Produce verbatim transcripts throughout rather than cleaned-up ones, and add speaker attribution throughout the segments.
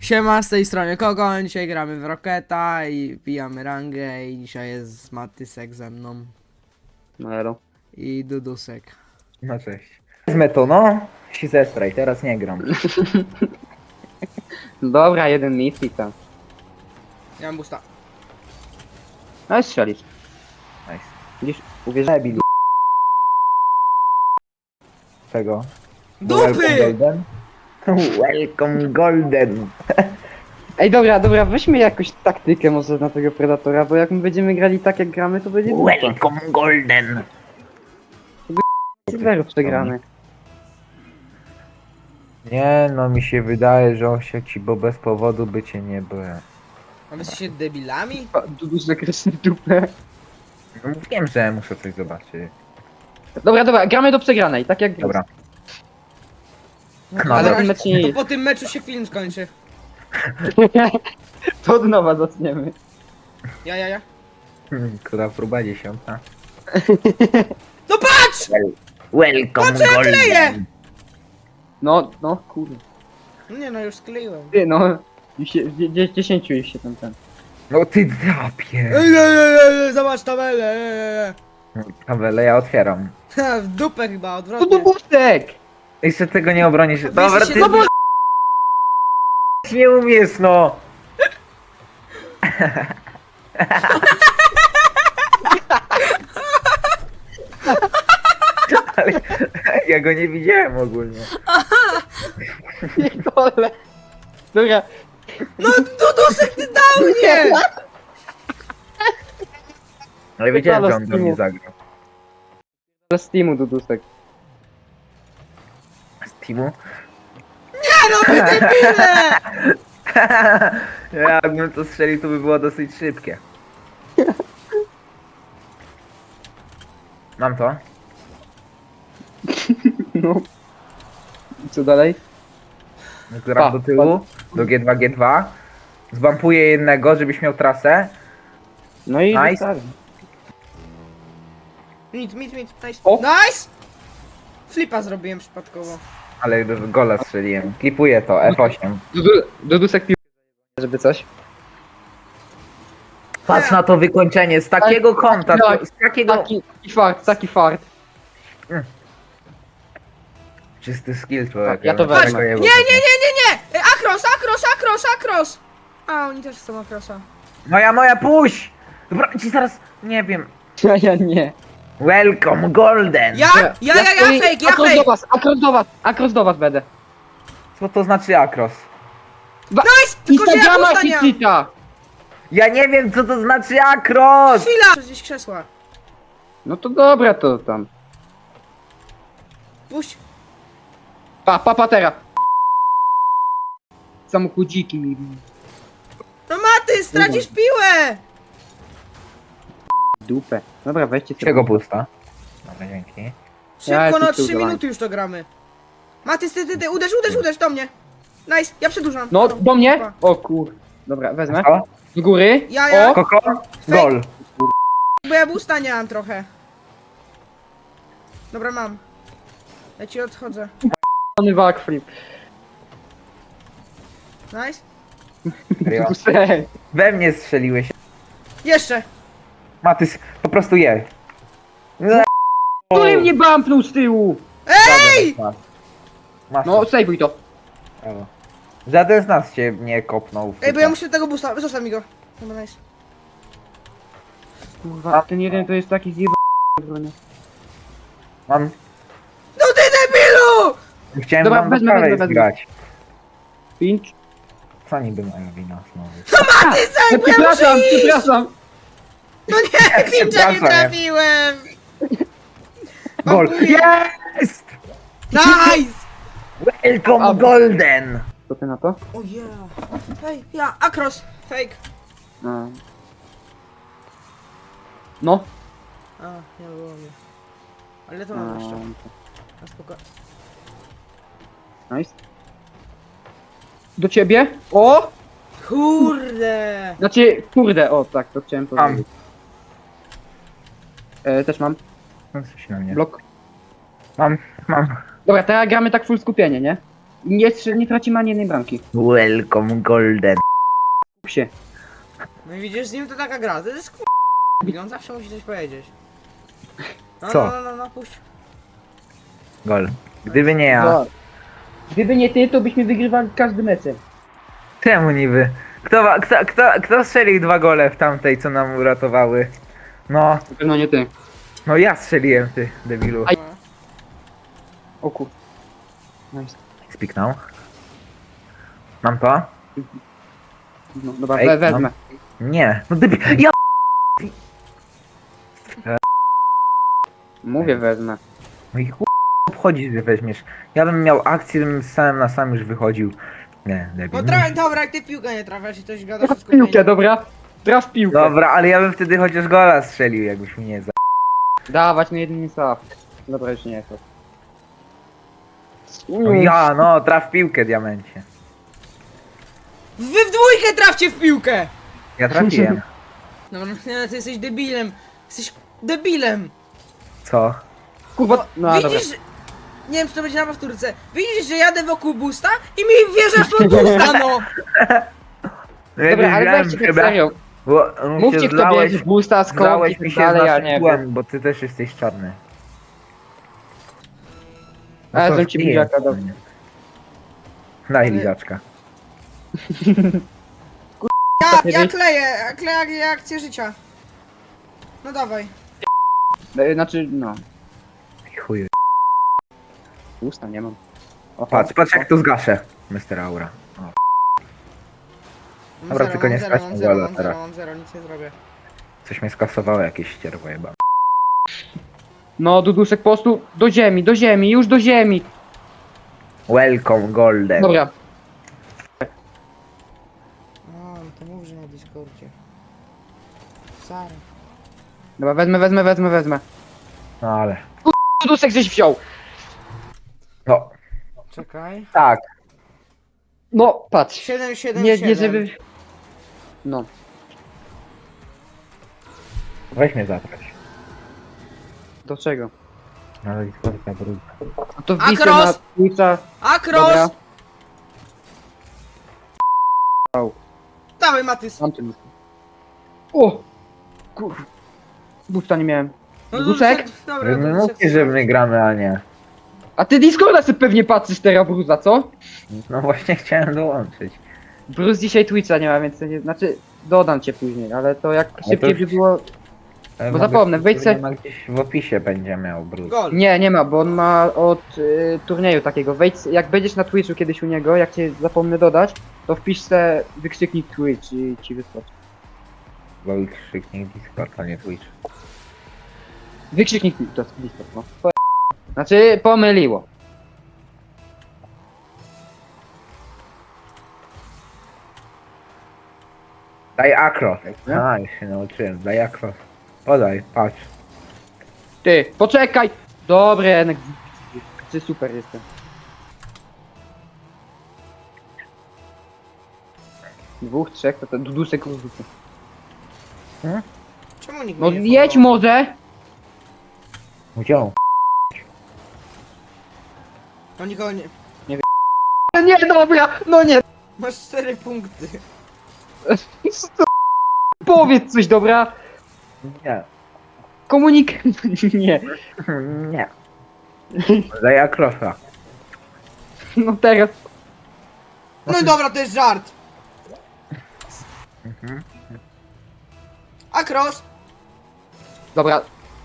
Speaker 1: Siema, z tej strony Kogoń, dzisiaj gramy w Rocketa i pijamy rangę i dzisiaj jest Matysek ze mną
Speaker 2: No elo.
Speaker 1: i Dudusek.
Speaker 3: No cześć. Wezmę to, no. Si zestraj, teraz nie gram.
Speaker 2: Dobra, jeden mit i tam.
Speaker 1: Ja mam busta.
Speaker 2: No i strzelisz.
Speaker 3: Nice.
Speaker 2: Widzisz, uwierz...
Speaker 3: Debil. Czego?
Speaker 1: Dupy!
Speaker 3: Welcome Golden? Welcome Golden.
Speaker 2: Ej dobra, dobra, weźmy jakąś taktykę może na tego Predatora, bo jak my będziemy grali tak jak gramy, to będzie dupa.
Speaker 3: Welcome Golden.
Speaker 2: Silverów przegramy.
Speaker 3: Nie no, mi się wydaje, że Osiek ci, bo bez powodu by cię nie było.
Speaker 1: A wy jesteście debilami?
Speaker 2: Duduś zakreśli dupę.
Speaker 3: No wiem, że muszę coś zobaczyć.
Speaker 2: Dobra, dobra, gramy do przegranej, tak jak
Speaker 3: Dobra.
Speaker 2: No,
Speaker 3: No,
Speaker 2: ale
Speaker 3: dobra.
Speaker 2: ten mecz nie
Speaker 1: To
Speaker 2: jest.
Speaker 1: po tym meczu się film skończy.
Speaker 2: To od nowa zaczniemy.
Speaker 1: Ja, ja, ja.
Speaker 3: Hmm, która próba dziesiąta?
Speaker 1: No patrz!
Speaker 3: Welcome
Speaker 1: Co ja kleję?
Speaker 2: No, no, kurde.
Speaker 1: Nie no, już skleiłem.
Speaker 2: Ty no, już się, dzie- dzie- dziesięciu już się tam ten.
Speaker 3: No ty drapie.
Speaker 1: Ej, ej, ej, ej, zobacz tabelę, ej, ej, ej.
Speaker 3: Tabelę ja otwieram.
Speaker 1: Ha, w dupę chyba,
Speaker 2: To
Speaker 1: odwrotnie.
Speaker 2: Dudusek!
Speaker 3: Jeszcze tego nie obronisz.
Speaker 1: Wy
Speaker 3: Dobra,
Speaker 1: jesteście
Speaker 3: ty
Speaker 2: No bo...
Speaker 3: nie umiesz, no. Ale ja go nie widziałem ogólnie.
Speaker 2: Pierdolę. Dobra.
Speaker 1: No Dudusek, ty dał mnie!
Speaker 3: Ale wiedziałem, że on do
Speaker 2: Steamu.
Speaker 3: mnie zagrał.
Speaker 2: Z Steamu Dudusek.
Speaker 3: Z teamu?
Speaker 1: Nie no, wy debile!
Speaker 3: Jakbym to strzelił, to by było dosyć szybkie. Mam to.
Speaker 2: No. I co dalej?
Speaker 3: Gram
Speaker 2: Pa,
Speaker 3: do tyłu, do G dwa G dwa. Zbampuję jednego, żebyś miał trasę.
Speaker 2: No i
Speaker 3: Nice.
Speaker 2: nice.
Speaker 1: Mit, mit, mit, nice.
Speaker 2: O!
Speaker 1: Nice! Flipa zrobiłem przypadkowo.
Speaker 3: Ale do gola strzeliłem. Klipuję to, F osiem.
Speaker 2: Dudu- Dudusek pił, żeby coś.
Speaker 3: Patrz na to wykończenie, z takiego kąta, to, z takiego...
Speaker 2: Taki, taki fart, taki fart.
Speaker 3: Czysty skill człowiek.
Speaker 2: Ja to
Speaker 3: bym
Speaker 2: wezmę.
Speaker 3: tego
Speaker 1: Nie, nie,
Speaker 3: jebał.
Speaker 1: nie, nie, nie! E, Akros, akros, akros, akros! A, oni też chcą akrosa.
Speaker 3: Moja, moja, puść! Dobra, ci zaraz, nie wiem.
Speaker 2: Ja, ja nie.
Speaker 3: Welcome Golden!
Speaker 1: Ja? Ja, ja, ja,
Speaker 2: stoi-
Speaker 1: fake, ja
Speaker 2: akros do
Speaker 1: fake!
Speaker 2: was, akros do was, akros do was będę.
Speaker 3: Co to znaczy akros?
Speaker 1: Nice! Tylko, że ja
Speaker 2: Instagrama
Speaker 1: busta nie mam.
Speaker 2: hitsita.
Speaker 3: Ja nie wiem, co to znaczy akros!
Speaker 1: Chwila! Gdzieś krzesła.
Speaker 2: No to dobra to tam.
Speaker 1: Puść.
Speaker 2: Pa, pa, patera. Samochodziki mi.
Speaker 1: No Maty, stracisz piłę!
Speaker 2: Dupę. Dobra, weźcie
Speaker 3: Czego pusta? Dobra, dzięki.
Speaker 2: Ja
Speaker 1: Szybko,
Speaker 2: jestem
Speaker 1: no trzy
Speaker 2: cudowany.
Speaker 1: minuty już to gramy. Maty, ty, ty, ty, uderz, uderz, uderz do mnie. Nice, ja przedłużam.
Speaker 2: No,
Speaker 1: Dobra.
Speaker 2: do mnie? O kur... Dobra, wezmę.
Speaker 3: Co?
Speaker 2: Do góry.
Speaker 1: Ja, ja.
Speaker 2: O,
Speaker 3: Koko? Gol.
Speaker 1: Bo ja busta nie mam trochę. Dobra, mam. Ja ci odchodzę.
Speaker 2: k***ny backflip.
Speaker 1: Nice.
Speaker 3: Serio?
Speaker 2: Dudusek.
Speaker 3: We mnie strzeliłeś.
Speaker 1: Jeszcze.
Speaker 3: Matys, po prostu je.
Speaker 2: Który mnie bumpnął z tyłu?
Speaker 1: Ej!
Speaker 3: Masz. Masz
Speaker 2: No,
Speaker 3: to.
Speaker 2: sejwuj to.
Speaker 3: Brawo. Żaden z nas cię nie kopnął. w
Speaker 1: Ej, bo ja
Speaker 3: typa.
Speaker 1: muszę tego busta, zostaw mi go. Dobra, nice.
Speaker 2: Kurwa, ten jeden to jest taki zjebany.
Speaker 3: Mam...
Speaker 1: No ty debilu!
Speaker 3: Chciałem
Speaker 2: Dobra,
Speaker 3: wam do
Speaker 2: wezmę,
Speaker 3: prawej
Speaker 2: wezmę, wezmę.
Speaker 3: zgrać.
Speaker 2: Pinch.
Speaker 3: Co niby moja wina znowu?
Speaker 1: Matysek,
Speaker 2: No,
Speaker 1: bo ja
Speaker 2: przepraszam,
Speaker 1: muszę iść!
Speaker 2: przepraszam.
Speaker 1: No nie, pincha nie
Speaker 3: Przepraszam.
Speaker 1: trafiłem!
Speaker 3: Gol!
Speaker 1: Bambuję.
Speaker 3: Jest!
Speaker 1: Nice!
Speaker 3: Welcome
Speaker 2: A-
Speaker 3: Golden!
Speaker 2: Co ty na to?
Speaker 1: O yeah. Hej, ja, akros, fake.
Speaker 2: No. No.
Speaker 1: A, nie było mnie. Ale to mam jeszcze.
Speaker 2: No.
Speaker 1: Na spokojnie.
Speaker 2: Nice. Do ciebie? O!
Speaker 1: Kurde!
Speaker 2: Znaczy, kurde, o tak, to chciałem
Speaker 3: Mam.
Speaker 2: powiedzieć. E, też mam.
Speaker 3: No coś na mnie.
Speaker 2: Blok.
Speaker 3: Mam, mam.
Speaker 2: Dobra, teraz gramy tak full skupienie, nie? Nie, strze- nie tracimy ani jednej bramki.
Speaker 3: Welcome Golden.
Speaker 2: Psie.
Speaker 1: No i widzisz, z nim to taka gra, to jest kur... On zawsze musi coś powiedzieć. No,
Speaker 3: Co?
Speaker 1: no, no, no, no, puść.
Speaker 3: Gol. Gdyby nie ja.
Speaker 2: No. Gdyby nie ty, to byśmy wygrywali każdy mecz.
Speaker 3: Czemu niby? Kto, wa- kto, kto, kto strzelił dwa gole w tamtej, co nam uratowały? No,
Speaker 2: Na pewno nie ty.
Speaker 3: no ja strzeliłem, ty debilu.
Speaker 2: Aj. O kur... Nice.
Speaker 3: Spiknął. Mam to?
Speaker 2: No, dobra,
Speaker 3: Ej,
Speaker 2: we, wezmę.
Speaker 3: Nie. No debil. Ja
Speaker 2: Mówię wezmę.
Speaker 3: No i chuj obchodzi, że weźmiesz. Ja bym miał akcję, bym sam na sam już wychodził. Nie, debil.
Speaker 1: No tra- dobra, jak ty w piłkę nie trafiasz i coś gadasz
Speaker 2: Traf
Speaker 1: o
Speaker 2: w piłkę,
Speaker 1: skupieniu.
Speaker 2: dobra? Traf w piłkę.
Speaker 3: Dobra, ale ja bym wtedy chociaż gola strzelił, jakbyś mi nie za...
Speaker 2: Dawać na jeden staw. Dobra, już nie jest to.
Speaker 3: No ja, no, traf piłkę, diamencie.
Speaker 1: Wy w dwójkę trafcie w piłkę!
Speaker 3: Ja trafiłem.
Speaker 1: Dobra, nie, ty jesteś debilem. Jesteś debilem.
Speaker 3: Co?
Speaker 2: Kurwa, no dobra.
Speaker 1: Widzisz, nie wiem czy to będzie na powtórce. Widzisz, że jadę wokół busta i mi wjeżdżasz pod busta, no!
Speaker 3: No
Speaker 2: Dobra, ale
Speaker 3: wiedziałem,
Speaker 2: weźcie tak
Speaker 3: chyba,
Speaker 2: serio.
Speaker 3: Bo no,
Speaker 2: Mówcie
Speaker 3: się
Speaker 2: kto
Speaker 3: zlałeś,
Speaker 2: bierze busta, skąd
Speaker 3: zlałeś
Speaker 2: i
Speaker 3: mi
Speaker 2: tak
Speaker 3: się
Speaker 2: dalej,
Speaker 3: z
Speaker 2: ja
Speaker 3: naszym
Speaker 2: nie
Speaker 3: tłem,
Speaker 2: wiem.
Speaker 3: bo ty też jesteś czarny.
Speaker 2: A ja
Speaker 3: co,
Speaker 2: znam ci
Speaker 3: nie
Speaker 2: buziaka,
Speaker 3: jest.
Speaker 2: dobra.
Speaker 3: Daj
Speaker 1: Ale-
Speaker 3: lizaczka.
Speaker 1: Ja,
Speaker 2: nie
Speaker 1: ja
Speaker 2: wy-
Speaker 1: kleję, ja kleję jak akcję życia. No dawaj.
Speaker 2: E, Znaczy, no.
Speaker 3: Chuj.
Speaker 2: Usta nie mam. O,
Speaker 3: Patrz, patrz jak to zgaszę, mister Aura. O.
Speaker 1: Mam
Speaker 3: Dobra,
Speaker 1: zero,
Speaker 3: tylko
Speaker 1: mam
Speaker 3: nie
Speaker 1: zero,
Speaker 3: strać
Speaker 1: mam
Speaker 3: na
Speaker 1: zero,
Speaker 3: gola
Speaker 1: mam zero,
Speaker 3: teraz.
Speaker 1: mam zero, nic nie zrobię.
Speaker 3: Coś mnie skasowało, jakieś ścierwo jeba.
Speaker 2: No, Dudusek po prostu do ziemi, do ziemi, już do ziemi.
Speaker 3: Welcome Golden.
Speaker 2: Dobra.
Speaker 1: No, to mów, że na Discordzie. Sara.
Speaker 2: Dobra, wezmę, wezmę, wezmę, wezmę.
Speaker 3: No ale.
Speaker 2: Dudusek żeś wziął.
Speaker 3: No,
Speaker 1: Czekaj.
Speaker 3: tak.
Speaker 2: No, patrz.
Speaker 1: siedem, siedem,
Speaker 2: Nie,
Speaker 1: siedem.
Speaker 2: nie żeby... No.
Speaker 3: Weź mnie zatrać.
Speaker 2: Do czego?
Speaker 3: Ale Discorda brud.
Speaker 2: No to wbijcie
Speaker 1: Akros!
Speaker 2: na Twitcha.
Speaker 1: Akros!
Speaker 2: Dobra.
Speaker 1: Dawaj, Matys.
Speaker 2: Mam ten. O! Kur... Busta nie miałem.
Speaker 1: No,
Speaker 2: Dudusek?
Speaker 1: Dobra,
Speaker 3: My
Speaker 1: Dudusek,
Speaker 3: mówcie, że my gramy, a nie.
Speaker 2: A ty Discorda sobie pewnie patrzysz teraz, Bruza, co?
Speaker 3: No właśnie chciałem dołączyć.
Speaker 2: Bruce dzisiaj Twitcha nie ma, więc to nie... Znaczy, dodam cię później, ale to jak
Speaker 3: to
Speaker 2: szybciej
Speaker 3: już-
Speaker 2: by było...
Speaker 3: Ale
Speaker 2: Bo
Speaker 3: mogę-
Speaker 2: zapomnę, wejdź se-
Speaker 3: nie ma gdzieś w opisie będzie miał brud.
Speaker 1: Gol.
Speaker 2: Nie, nie ma, bo on ma od y, turnieju takiego. Wejdź, jak będziesz na Twitchu kiedyś u niego, jak cię zapomnę dodać, to wpisz se wykrzyknik Twitch i ci wyskoczy.
Speaker 3: Bo ich krzyknik Discord, a nie Twitch.
Speaker 2: Wykrzyknik Twitch, to jest Discord, no. To- Znaczy, pomyliło.
Speaker 3: Daj akro.
Speaker 2: Nie?
Speaker 3: A, już się nauczyłem. Daj akro. Podaj, patrz.
Speaker 2: Ty, poczekaj! Dobry, jednak. Ty super jestem. Dwóch, trzech, to ten Dudusek rozrzucę.
Speaker 1: Czemu nikt
Speaker 2: No
Speaker 1: mnie nie
Speaker 2: jedź
Speaker 1: follow?
Speaker 2: może!
Speaker 3: Gdzie on?
Speaker 1: No nikogo nie...
Speaker 2: Nie, dobra, no nie!
Speaker 1: Masz cztery punkty.
Speaker 2: Powiedz coś, dobra?
Speaker 3: Nie.
Speaker 2: Komunik... nie.
Speaker 3: Nie. Daj akrosa.
Speaker 2: No teraz...
Speaker 1: No i dobra, to jest żart.
Speaker 3: Mhm.
Speaker 1: Akros!
Speaker 2: Dobra.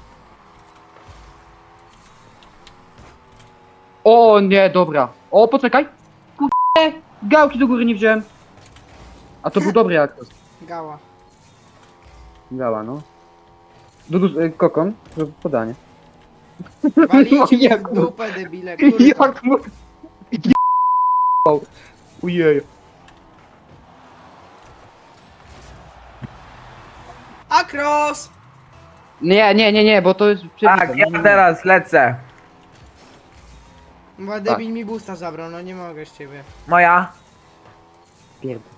Speaker 2: O nie, dobra. O, poczekaj. Kurde, gałki do góry nie wziąłem. A to był dobry aktos.
Speaker 1: Gała.
Speaker 2: Gała, no. Dudu, y, kokon, to podanie.
Speaker 1: Walicie mnie w
Speaker 2: jak mu-
Speaker 1: dupę, debile, kurwa.
Speaker 2: Jak mu... Ujej.
Speaker 1: Akros!
Speaker 2: Nie, nie, nie, nie, bo to jest przebite.
Speaker 3: Tak,
Speaker 2: Nie,
Speaker 3: ja
Speaker 2: nie, nie.
Speaker 3: teraz lecę.
Speaker 1: Bo debil mi busta zabrał, no nie mogę z ciebie.
Speaker 3: Moja.
Speaker 2: Pierdol.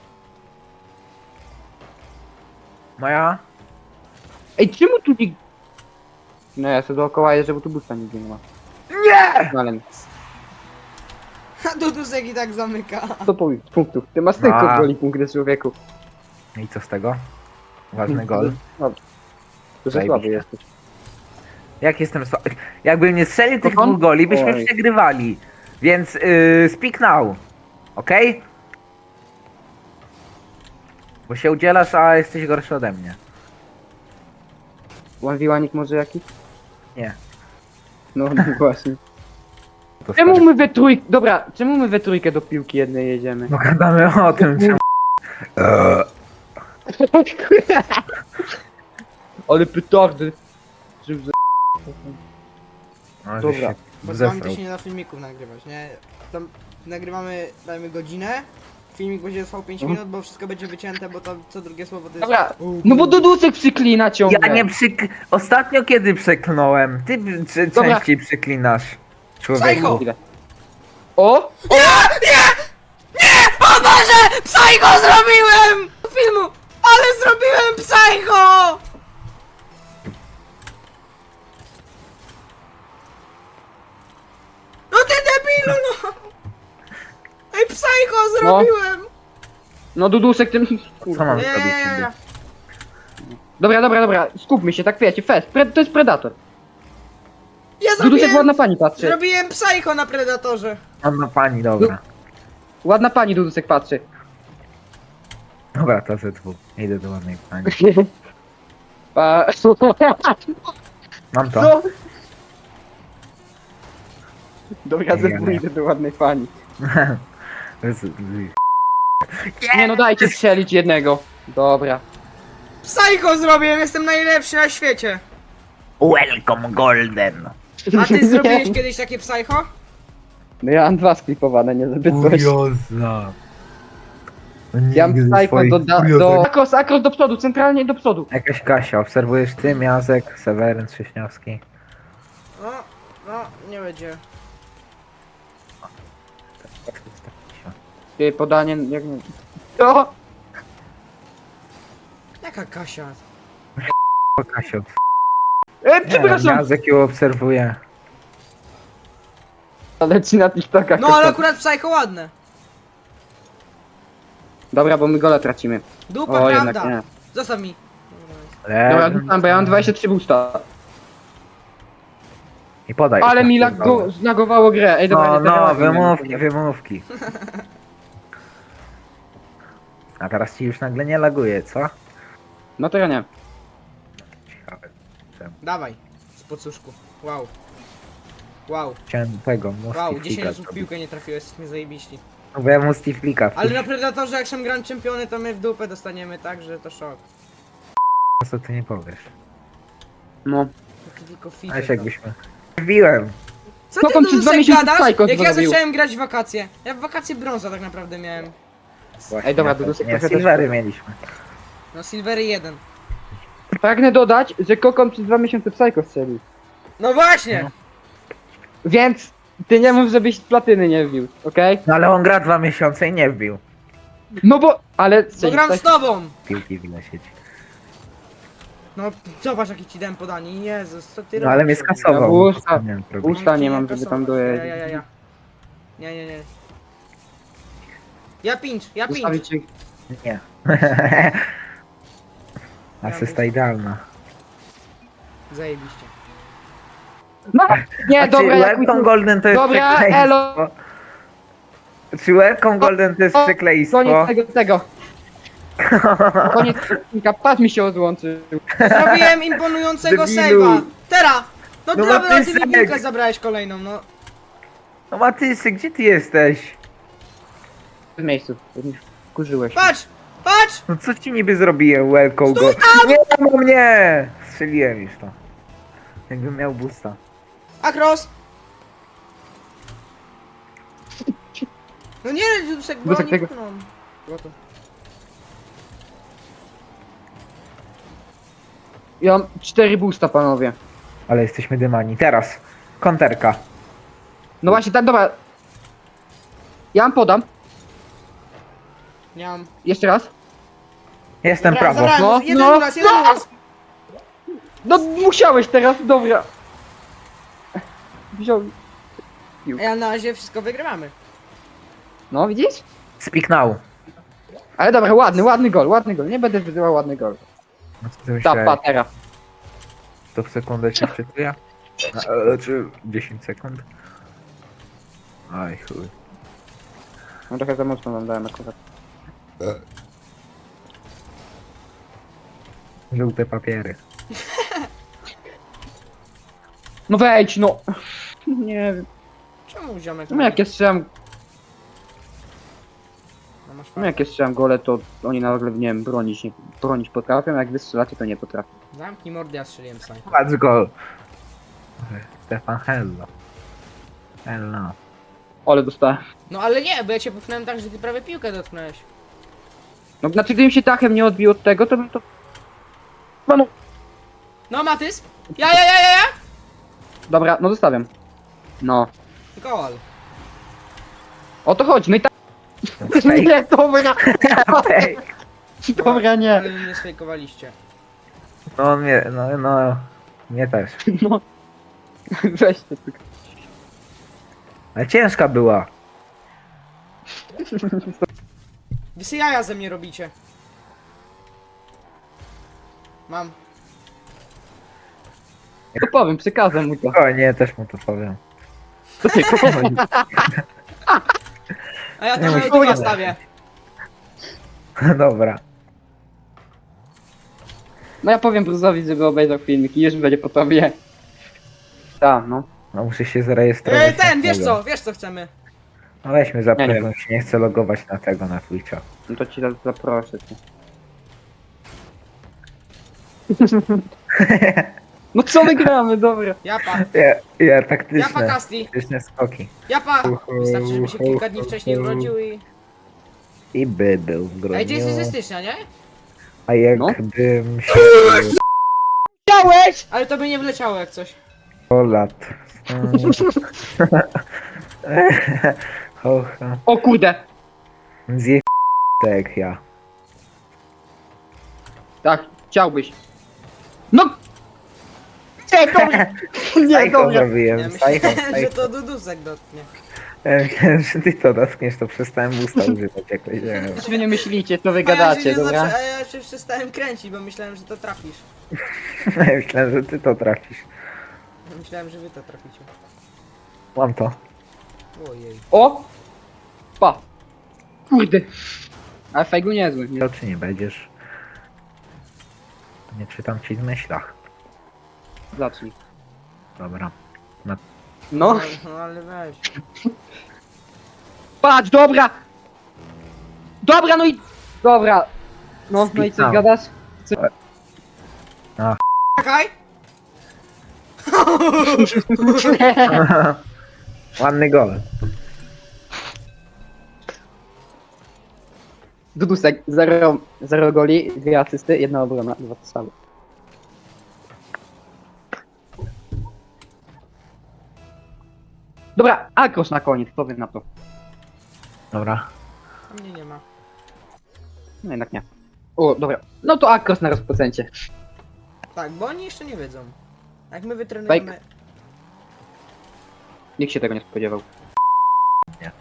Speaker 3: Moja.
Speaker 2: Ej, czemu tu nie... No ja sobie dookoła jeżdżę, bo tu busta nigdzie nie ma.
Speaker 3: Nie!
Speaker 2: No ale...
Speaker 1: A Dudusek i tak zamyka.
Speaker 2: sto pu- punktów. Ty masz tylko
Speaker 3: A.
Speaker 2: goli punkty, człowieku.
Speaker 3: I co z tego? Ważny gol.
Speaker 2: No, to że
Speaker 3: Zajebiście.
Speaker 2: słaby jesteś.
Speaker 3: Jak jestem słaby? Jakbym nie strzelił tych
Speaker 2: Kocham?
Speaker 3: dwóch goli, byśmy
Speaker 2: Oj.
Speaker 3: przegrywali. Więc yy, speak now. Okej? Bo się udzielasz, a jesteś gorszy ode mnie.
Speaker 2: Ławiłanik może jakiś?
Speaker 3: Nie.
Speaker 2: No, no właśnie.
Speaker 3: To
Speaker 2: Czemu
Speaker 3: stary.
Speaker 2: my we trójkę... Dobra, czemu my we trójkę do piłki jednej jedziemy?
Speaker 3: No gadamy o tym, czemu... Eee.
Speaker 2: Ale petardy. Czym za...
Speaker 3: No,
Speaker 2: Dobra.
Speaker 3: żeś się
Speaker 1: Bo z wami to
Speaker 3: zesrał.
Speaker 1: się nie da filmików nagrywać, nie? Tam nagrywamy, dajmy godzinę. Filmik będzie trwał pięć
Speaker 2: Mhm.
Speaker 1: minut, bo wszystko będzie wycięte, bo to co drugie słowo to jest...
Speaker 2: Dobra,
Speaker 1: U,
Speaker 2: no bo
Speaker 1: u.
Speaker 2: Dudusek przyklina ciągle.
Speaker 3: Ja nie przyk... Ostatnio kiedy przeklnąłem? Ty c-
Speaker 2: Dobra.
Speaker 3: częściej przeklinasz. Człowieku.
Speaker 1: Psycho!
Speaker 2: Chwilę. O!
Speaker 1: O Boże! Psycho zrobiłem! Filmu! Ale zrobiłem psycho! No ty debilu no! Ej, psycho zrobiłem!
Speaker 2: No Dudusek tym...
Speaker 3: Co mam
Speaker 1: Nie,
Speaker 3: zrobić?
Speaker 1: nie, nie,
Speaker 3: niby?
Speaker 1: nie.
Speaker 2: Dobra, dobra, dobra, skupmy się, tak wiecie, fest, pre... to jest Predator.
Speaker 1: Ja
Speaker 2: Dudusek ładna
Speaker 1: zrobiłem...
Speaker 2: pani patrzy.
Speaker 1: Zrobiłem psycho na Predatorze.
Speaker 3: Mam na pani, dobra.
Speaker 2: Ładna pani Dudusek patrzy.
Speaker 3: Dobra, to ze dwóch. Idę do ładnej pani.
Speaker 2: Pa...
Speaker 3: Mam to.
Speaker 2: Co? Dobra, ze
Speaker 3: Nie,
Speaker 2: dwóch
Speaker 3: nie.
Speaker 2: idę do ładnej pani.
Speaker 3: Z-
Speaker 2: Nie no, dajcie strzelić jednego. Dobra.
Speaker 1: Psycho zrobiłem, jestem najlepszy na świecie.
Speaker 3: Welcome Golden.
Speaker 1: A ty zrobiłeś kiedyś takie psycho?
Speaker 2: No ja mam dwa sklipowane, nie zbyt coś.
Speaker 3: Kurioza. No
Speaker 2: Ja mam
Speaker 3: nigdy
Speaker 2: psycho
Speaker 3: swoich
Speaker 2: do, da,
Speaker 3: kuriozów.
Speaker 2: do... Akros, akros do przodu, centralnie do przodu.
Speaker 3: Jakaś Kasia, obserwujesz ty, Miazek, Seweryn Trześniowski.
Speaker 1: No, no, nie będzie.
Speaker 2: Ty, podanie, jak nie... O!
Speaker 1: Jaka Kasia?
Speaker 3: O Kasio.
Speaker 2: E,
Speaker 3: Nie,
Speaker 2: przepraszam!
Speaker 3: Miazek ją obserwuje.
Speaker 2: Leci na TikTokach.
Speaker 1: No ale akurat psycho ładne.
Speaker 2: Dobra, bo my gola tracimy.
Speaker 1: Dupa,
Speaker 2: O, jednak
Speaker 1: prawda.
Speaker 2: nie.
Speaker 1: Zostaw mi.
Speaker 2: Dobra, rzucam, bo ja mam dwadzieścia trzy boosta.
Speaker 3: I podaj.
Speaker 2: Ale
Speaker 3: już
Speaker 2: mi
Speaker 3: na
Speaker 2: lago,
Speaker 3: pierdolę.
Speaker 2: zlagowało grę. Ej, dobra,
Speaker 3: No,
Speaker 2: nie,
Speaker 3: no,
Speaker 2: teraz nie
Speaker 3: wymówki,
Speaker 2: wiem.
Speaker 3: wymówki. A teraz ci już nagle nie laguje, co?
Speaker 2: No to ja nie.
Speaker 3: Ciekawe.
Speaker 1: Dawaj. Z pocuszku. Wow. Wow.
Speaker 3: Chciałem tego,
Speaker 1: Wow,
Speaker 3: Mustiflika
Speaker 1: dziesięć osób w
Speaker 3: zrobić.
Speaker 1: piłkę nie trafiło, jesteśmy zajebiści.
Speaker 3: No bo ja Mustiflika
Speaker 1: Ale na Predatorze jak są Grand Czempiony, to my w dupę dostaniemy tak, że to szok.
Speaker 3: co ty nie powiesz.
Speaker 2: No.
Speaker 1: To tylko FIFA.
Speaker 3: Aż jakbyśmy... Wbiłem!
Speaker 1: Co ty
Speaker 2: Kokom przez dwa
Speaker 1: Dudusek
Speaker 2: miesiące
Speaker 1: gadasz?
Speaker 2: Psycho
Speaker 1: Jak ja
Speaker 2: zrobił.
Speaker 1: zacząłem grać w wakacje. Ja w wakacje brąza tak naprawdę miałem.
Speaker 3: Właśnie,
Speaker 2: Ej, dobra,
Speaker 3: ja też-
Speaker 2: Dudusek
Speaker 3: Nie,
Speaker 2: trochę też-
Speaker 3: Silvery mieliśmy.
Speaker 1: No Silvery jeden.
Speaker 2: Pragnę dodać, że Kokom przez dwa miesiące Psycho strzelił.
Speaker 1: No właśnie!
Speaker 2: Więc ty nie mów, żebyś platyny nie wbił, okej?
Speaker 3: No ale on gra dwa miesiące i nie wbił.
Speaker 2: No bo, ale...
Speaker 1: Bo
Speaker 2: strzelił,
Speaker 1: gram
Speaker 2: tak?
Speaker 1: z tobą!
Speaker 3: Piłki w sieci.
Speaker 1: No zobacz jaki ci dałem podanie, Jezus, co ty
Speaker 3: No ale mnie
Speaker 1: robisz?
Speaker 3: skasował.
Speaker 2: Ja
Speaker 3: no,
Speaker 2: usta-
Speaker 3: co miałem zrobić?
Speaker 2: usta nie
Speaker 1: ci
Speaker 2: mam, żeby
Speaker 1: kasować.
Speaker 2: tam dojeździć.
Speaker 1: Ja, ja, ja, ja. Nie, nie, nie. Ja pinch, ja pinch.
Speaker 2: Ustawić się...
Speaker 3: Nie. Asysta idealna.
Speaker 1: Zajebiście.
Speaker 2: No, nie,
Speaker 3: A
Speaker 2: dobra,
Speaker 3: czy
Speaker 2: jak
Speaker 3: Welcome Golden to jest
Speaker 2: Dobra,
Speaker 3: przekleństwo?
Speaker 2: elo.
Speaker 3: Czy Welcome Golden to jest
Speaker 2: O,
Speaker 3: przekleństwo?
Speaker 2: Koniec tego, tego. Koniec odcinka, pas mi się odłączył.
Speaker 1: Zrobiłem imponującego
Speaker 3: Debilu.
Speaker 1: save'a. Teraz! No,
Speaker 3: No
Speaker 1: no
Speaker 3: bo
Speaker 1: dla
Speaker 3: ty
Speaker 1: ty
Speaker 3: sek.
Speaker 1: piłkę zabrałeś kolejną, no.
Speaker 3: No Matysy, gdzie ty jesteś?
Speaker 2: W miejscu, kurzyłeś.
Speaker 1: Patrz! Patrz!
Speaker 3: No co ci niby zrobiłem, Welcome Golden? Nie, no mnie! Strzeliłem już to. Jakbym miał boosta.
Speaker 1: Akros! No nie, Dudusek, bo
Speaker 2: Dudusek
Speaker 1: oni
Speaker 2: tego-
Speaker 1: pchną. Było to.
Speaker 2: Ja mam cztery boosta, panowie.
Speaker 3: Ale jesteśmy dymani. Teraz. Konterka.
Speaker 2: No właśnie, tak, dobra. Ja wam podam.
Speaker 1: Nie mam.
Speaker 2: Jeszcze raz.
Speaker 3: Jestem
Speaker 1: Zabrałem,
Speaker 3: prawo.
Speaker 1: zabrałem,
Speaker 2: No,
Speaker 1: jeden
Speaker 2: no,
Speaker 1: raz, jeden
Speaker 2: no.
Speaker 1: raz.
Speaker 2: No musiałeś teraz, dobra. Wziął.
Speaker 1: Ja na razie wszystko wygrywamy.
Speaker 2: No, widzisz?
Speaker 3: Speak now.
Speaker 2: Ale dobra, ładny, ładny gol, ładny gol. Nie będę wyzywał ładny gol.
Speaker 3: No co ty
Speaker 2: Ta
Speaker 3: myślałeś?
Speaker 2: patera.
Speaker 3: To w sekundę się wczytuje? A, e, czy dziesięć sekund? Aj chuj.
Speaker 2: No trochę za mocno wam dałem akurat.
Speaker 3: Żółte papiery.
Speaker 2: No wejdź, no. Nie wiem.
Speaker 1: Czemu ziomek?
Speaker 2: No jak ja strzelam,
Speaker 1: No masz
Speaker 2: no
Speaker 1: fakt.
Speaker 2: jak ja strzelam gole, to oni nagle, nie wiem, bronić, nie, bronić potrafią, jak wy strzelacie, to nie potrafią.
Speaker 1: Zamknij mordę, ja strzeliłem sam.
Speaker 3: Patrz gol. Stefan Hello. Hello.
Speaker 2: Ale dostałem.
Speaker 1: No ale nie, bo ja cię popchnąłem tak, że ty prawie piłkę dotknąłeś.
Speaker 2: No znaczy, gdybym się tachem nie odbił od tego, to bym to... No, no.
Speaker 1: No Matys! Ja, ja, ja, ja, ja!
Speaker 2: Dobra, no zostawiam. No.
Speaker 1: Gol.
Speaker 2: O to chodzi, no i tak...
Speaker 3: Fake.
Speaker 2: Nie, dobra.
Speaker 3: Fake.
Speaker 2: Dobra, nie.
Speaker 1: Ale mnie sfejkowaliście.
Speaker 3: No on mnie, no, no. Mnie też.
Speaker 2: No. Weź to tylko.
Speaker 3: Ale ciężka była.
Speaker 1: Wy sobie jaja ze mnie robicie. Mam.
Speaker 2: To powiem, przekazem mu to.
Speaker 3: O nie, też mu to powiem.
Speaker 2: To ty, powiem.
Speaker 1: A ja
Speaker 3: Nie,
Speaker 1: to na
Speaker 3: musisz
Speaker 1: YouTube
Speaker 3: powiedzieć.
Speaker 1: stawię.
Speaker 3: Dobra.
Speaker 2: No ja powiem Bruzowi, żeby obejrzał filmik i już będzie po tobie. Tak, no.
Speaker 3: No muszę się zarejestrować.
Speaker 1: Ej, ten,
Speaker 3: na
Speaker 1: wiesz
Speaker 3: tego.
Speaker 1: co, wiesz co chcemy.
Speaker 3: No weźmy za
Speaker 2: Ja nie
Speaker 3: pewność, nie chcę logować na tego, na Twitcha.
Speaker 2: No to ci zaproszę. Cię. No co my gramy, dobra.
Speaker 1: Japa.
Speaker 3: Ja, ja
Speaker 1: Japa
Speaker 3: taktyczne,
Speaker 1: Kasti.
Speaker 3: taktyczne skoki.
Speaker 1: Japa. Wystarczy, żeby się kilka dni wcześniej urodził i...
Speaker 3: I by był w grudniu.
Speaker 1: Ej, ty jesteś ze stycznia, nie?
Speaker 3: A jakbym
Speaker 2: No.
Speaker 3: się
Speaker 2: Chciałeś!
Speaker 1: Ale to by nie wleciało jak coś.
Speaker 3: sto lat. Mm. Ho, ho.
Speaker 2: O kurde!
Speaker 3: Zje tak jak ja.
Speaker 2: Tak, chciałbyś. No! Nie, dobra! Nie,
Speaker 3: Psycho
Speaker 2: dobra.
Speaker 3: zrobiłem,
Speaker 1: Ja
Speaker 3: psycho,
Speaker 1: myślałem, że
Speaker 3: psycho.
Speaker 1: to Dudusek dotknie.
Speaker 3: Ja myślałem, że ty to dotkniesz, to przestałem usta używać jakoś, nie wiem.
Speaker 2: Wy nie myślicie, co wy
Speaker 1: A ja, się
Speaker 2: gadacie,
Speaker 1: nie
Speaker 2: dobra?
Speaker 1: zaczę- a ja się przestałem kręcić, bo myślałem, że to trafisz.
Speaker 3: Ja myślałem, że ty to trafisz.
Speaker 1: Myślałem, że wy to traficie.
Speaker 3: Mam to.
Speaker 1: Ojej.
Speaker 2: O! Pa! Kurde! Ale fejgu niezły. Nie.
Speaker 3: To czy nie będziesz? Nie czytam ci w myślach.
Speaker 2: Zacznij.
Speaker 3: Dobra.
Speaker 2: No.
Speaker 1: No, no ale weź.
Speaker 2: Patrz, dobra! Dobra, no i... Dobra. No, no i co,
Speaker 3: Spitał.
Speaker 2: gadasz?
Speaker 1: Czekaj!
Speaker 3: Ładny gol.
Speaker 2: Dudusek, zero, zero goli, dwie asysty, jedna obrona, dwa strzały. Dobra, Akrosz na koniec, powiem na to.
Speaker 3: Dobra.
Speaker 1: A mnie nie ma.
Speaker 2: No jednak nie. O, dobra. No to Akrosz na rozpoczęcie.
Speaker 1: Tak, bo oni jeszcze nie wiedzą. Jak my wytrenujemy...
Speaker 2: Nikt się tego nie spodziewał.
Speaker 3: Nie.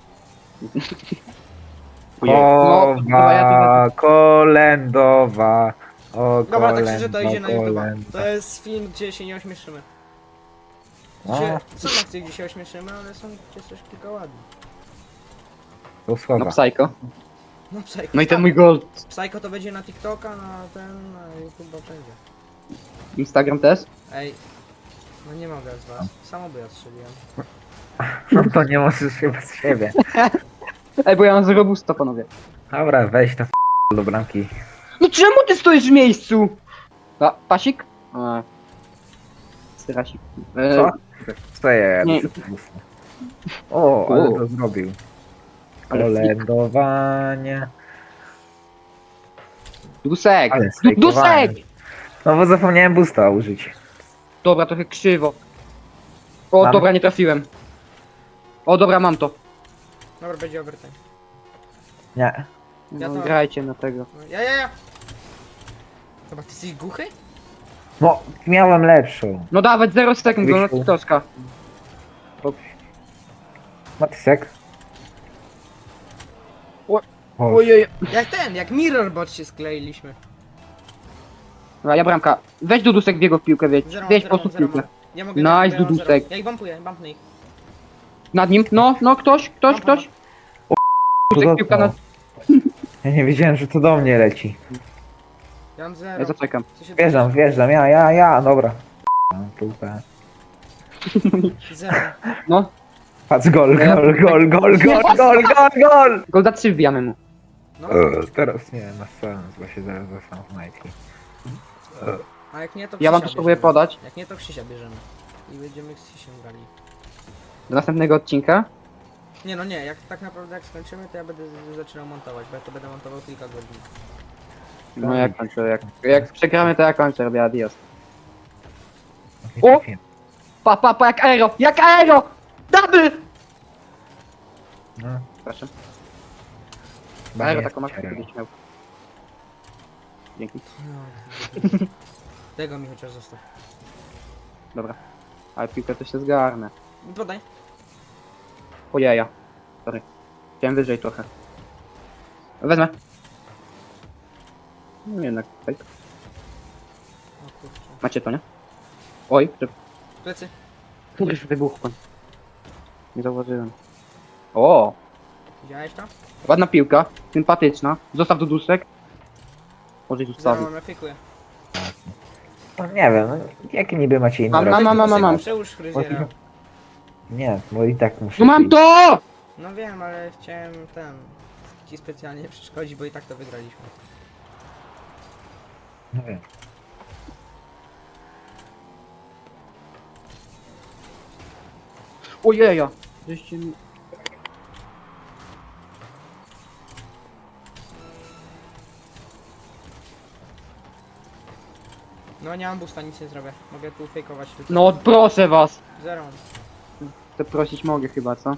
Speaker 2: Ojej. No, dobra, ja
Speaker 3: Kowa, kolędowa. O,
Speaker 1: Dobra, tak
Speaker 3: kolędo,
Speaker 1: szczerze to idzie na YouTube.
Speaker 3: kolędo.
Speaker 1: To jest film, gdzie się nie ośmieszymy.
Speaker 3: No,
Speaker 1: Gdzie, są akcje, gdzie się ośmieszymy, ale są gdzie coś kilka ładnych.
Speaker 3: to
Speaker 2: to...
Speaker 3: słowa.
Speaker 2: No Psycho.
Speaker 1: No Psycho.
Speaker 2: No i ten mój gol.
Speaker 1: Psycho to będzie na TikToka, na ten, na YouTube będzie.
Speaker 2: Instagram też?
Speaker 1: Ej. No nie mogę z was. Samo by ja strzeliłem.
Speaker 3: No to nie możesz się bez siebie.
Speaker 2: Ej, bo ja mam zero busta, panowie.
Speaker 3: Dobra, weź to do bramki.
Speaker 2: No czemu ty stoisz w miejscu? A, pasik? A. Styrasik. E,
Speaker 3: Co? Co ja
Speaker 2: Nie.
Speaker 3: jadę? O, ale
Speaker 2: U.
Speaker 3: to zrobił.
Speaker 2: Ale
Speaker 3: Kolędowanie.
Speaker 2: Dusek!
Speaker 3: Ale
Speaker 2: Du-
Speaker 3: sfejkowanie.
Speaker 2: Dusek!
Speaker 3: No bo zapomniałem boosta użyć.
Speaker 2: Dobra, trochę krzywo. O,
Speaker 3: Mam.
Speaker 2: dobra, nie trafiłem. O, dobra, mam to.
Speaker 1: Dobra, będzie overtime.
Speaker 3: Nie.
Speaker 1: Ja
Speaker 2: No,
Speaker 1: to-
Speaker 2: grajcie na tego.
Speaker 1: No, ja, ja, ja. Dobra, ty jesteś głuchy?
Speaker 3: No, miałem lepszą.
Speaker 2: No dawać zero sekund, go na
Speaker 3: Wyszło.
Speaker 2: TikToka.
Speaker 3: Matysek. O,
Speaker 2: Ojej.
Speaker 1: Jak ten, jak Mirrorbot się skleiliśmy.
Speaker 2: Dobra, ja bramka. Weź Dudusek w jego piłkę, wieć.
Speaker 1: Zero,
Speaker 2: Weź po
Speaker 1: zero,
Speaker 2: prostu
Speaker 1: zero,
Speaker 2: piłkę.
Speaker 1: Ja mogę
Speaker 2: Nice,
Speaker 1: ja mam zero.
Speaker 2: Dudusek.
Speaker 1: Ja ich bumpuję, bumpnę ich.
Speaker 2: Nad nim. No, no, ktoś, ktoś,
Speaker 1: Mam,
Speaker 2: ktoś.
Speaker 3: to
Speaker 2: Dudusek, piłka na...
Speaker 3: Ja nie wiedziałem, że to do mnie leci.
Speaker 1: Ja mam
Speaker 2: Ja
Speaker 1: zero.
Speaker 2: zaczekam.
Speaker 1: Co się
Speaker 3: Wjeżdżam, wjeżdżam, ja, ja, ja, dobra. Mam piłkę.
Speaker 1: Zero.
Speaker 2: No.
Speaker 3: Patrz, gol, gol, gol, gol, gol, gol, gol, gol!
Speaker 2: Golda trzy wbijamy mu.
Speaker 1: No,
Speaker 3: E, Teraz nie, na sens, bo się zaraz zostaną w majtki.
Speaker 1: a jak nie to
Speaker 2: Ja wam
Speaker 1: Krzysia
Speaker 2: spróbuję
Speaker 1: bierzemy.
Speaker 2: podać.
Speaker 1: Jak nie to Krzysia bierzemy. I będziemy z Krzysiem grali.
Speaker 2: Do następnego odcinka.
Speaker 1: Nie no nie, jak tak naprawdę jak skończymy, to ja będę z- zaczynał montować, bo ja to będę montował kilka godzin.
Speaker 2: No jak kończę, jak, jak przegramy to ja kończę, robię adios. O! Pa, pa, pa, jak aero, jak aero! Double!
Speaker 3: No,
Speaker 2: Proszę.
Speaker 3: chyba
Speaker 2: Aero
Speaker 3: nie
Speaker 2: taką masz
Speaker 3: jest
Speaker 2: kiedyś miał. Dzięki.
Speaker 1: No, tego mi chociaż zostaw.
Speaker 2: Dobra. Ale piłkę to się zgarnę.
Speaker 1: Podaj.
Speaker 2: O jaja. Sorry. Chciałem wyżej trochę. Wezmę. No jednak, fake.
Speaker 1: O kurczę.
Speaker 2: Macie to, nie? Oj, że...
Speaker 1: Plecy.
Speaker 2: Już wybuchłem. Nie zauważyłem. O!
Speaker 1: Widziałeś to?
Speaker 2: Ładna piłka, sympatyczna. Zostaw Dudusek. Może ich
Speaker 1: Zero
Speaker 2: zostawił.
Speaker 1: mam, ja pikuję.
Speaker 3: No nie wiem, no, jakie niby macie inne
Speaker 2: Mam, mam,
Speaker 3: rozwiązania?
Speaker 2: mam, mam, mam.
Speaker 1: Przełóż fryzjera.
Speaker 3: Nie, bo i tak muszę...
Speaker 2: No mam
Speaker 3: iść.
Speaker 2: to!
Speaker 1: No wiem, ale chciałem ten... Ci specjalnie przeszkodzić, bo i tak to wygraliśmy.
Speaker 3: No wiem.
Speaker 2: Ojeja! Żeście mi...
Speaker 1: No nie mam busta, nic nie zrobię. Mogę tu fejkować tylko.
Speaker 2: No proszę was!
Speaker 1: Zero.
Speaker 2: To prosić mogę chyba, co?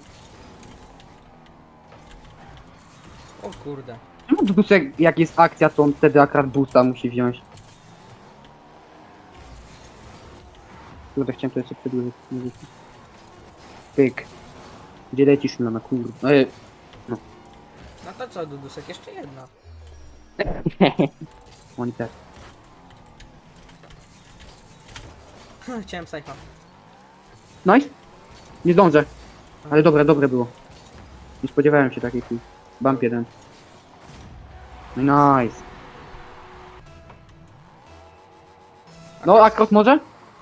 Speaker 1: O kurde.
Speaker 2: Czemu Dudusek, jak jest akcja, to on wtedy akurat boosta musi wziąć? Kurde, chciałem to jeszcze przedłużyć. Pyk. Gdzie lecisz, Milana, kurde? Ej,
Speaker 1: No to co, Dudusek? Jeszcze jedna.
Speaker 2: oni też.
Speaker 1: Chciałem psycha.
Speaker 2: Nice? Nie zdążę. Ale dobre, dobre było. Nie spodziewałem się takiej chwili. Bump jeden. Nice. No, Akros może?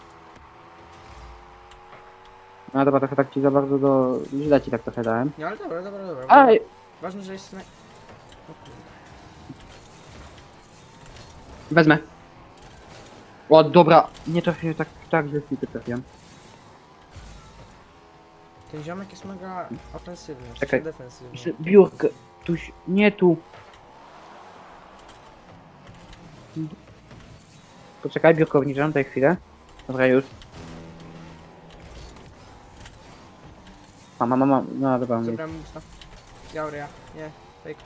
Speaker 2: No dobra, trochę tak ci za bardzo do... Źle ci tak trochę dałem.
Speaker 1: No ale dobra, dobra, dobra.
Speaker 2: Aj!
Speaker 1: Ważne, że jest... naj- O kurde.
Speaker 2: Wezmę. O, dobra. Nie trafiłem tak, tak, że ty trafiłem.
Speaker 1: Ten ziomek jest mega ofensywny,
Speaker 2: Czekaj.
Speaker 1: Czekaj. defensywny.
Speaker 2: Jeszcze biurkę. Tuś, nie tu. Poczekaj, biurko obniżam tutaj chwilę. Dobra, już. Mama, mama, no dobra. Nie.
Speaker 1: Zabrałem busta. Jauria, nie, fake.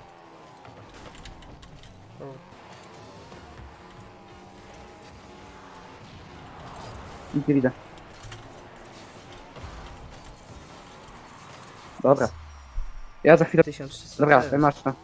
Speaker 1: O.
Speaker 2: Nic nie widzę. Dobra. Ja za chwilę...
Speaker 1: tysiąc trzysta.
Speaker 2: Dobra,
Speaker 1: zero.
Speaker 2: masz to.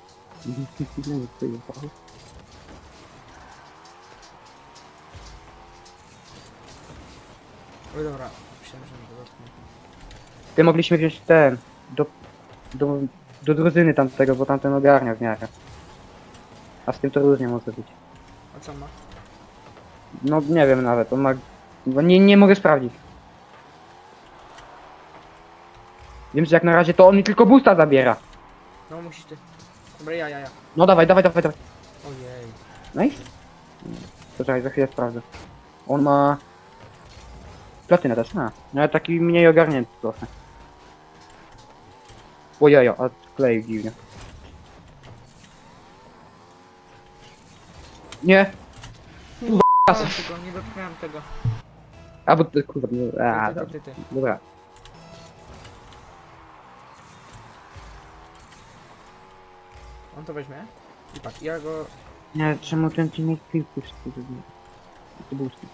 Speaker 1: Oj dobra, myślałem, że nie dotknę.
Speaker 2: Ty mogliśmy wziąć ten... Do... Do, do drużyny tamtego, bo tamten ogarnia w miarę. A z tym to różnie może być.
Speaker 1: A co ma?
Speaker 2: No nie wiem nawet, on ma... Bo nie, nie mogę sprawdzić. Wiem, że jak na razie to on mi tylko boosta zabiera.
Speaker 1: No musisz ty. Dobra, ja, ja, ja.
Speaker 2: No dawaj, dawaj, dawaj, dawaj.
Speaker 1: Ojej.
Speaker 2: Nice. Poczekaj, za chwilę sprawdzę. On ma... Platynę też, a. No ale taki mniej ogarnięty trochę. Ojejo, a klei dziwnie. Nie.
Speaker 1: A, tylko nie dotknąłem tego.
Speaker 2: A bo ty, kurwa, nie... A,
Speaker 1: Ty, ty,
Speaker 2: dobra.
Speaker 1: ty, ty, ty.
Speaker 2: Dobra.
Speaker 1: On to weźmie. I patrz, ja go...
Speaker 2: Nie, czemu ten ci nie piłki to był skip.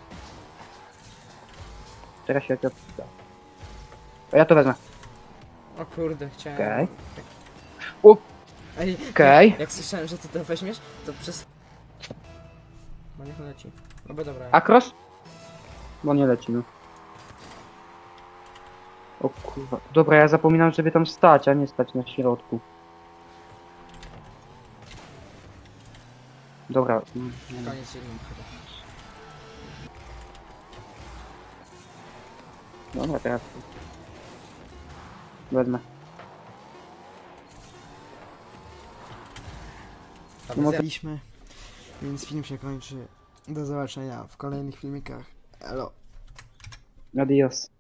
Speaker 2: Teraz się jak... A ja to wezmę.
Speaker 1: O kurde, chciałem...
Speaker 2: Okej.
Speaker 1: Ej,
Speaker 2: Okej.
Speaker 1: jak słyszałem, że ty to weźmiesz, to przez... No niech leci. No bo dobra.
Speaker 2: Akros? Bo nie leci, no. O kurwa. Dobra, ja zapominam, żeby tam stać, a nie stać na środku. Dobra. mm, mm.
Speaker 1: Koniec filmu chyba.
Speaker 2: Dobra, teraz. Wezmę. No to-
Speaker 1: Zjadliśmy, więc film się kończy. Do zobaczenia w kolejnych filmikach. Elo.
Speaker 2: Adios.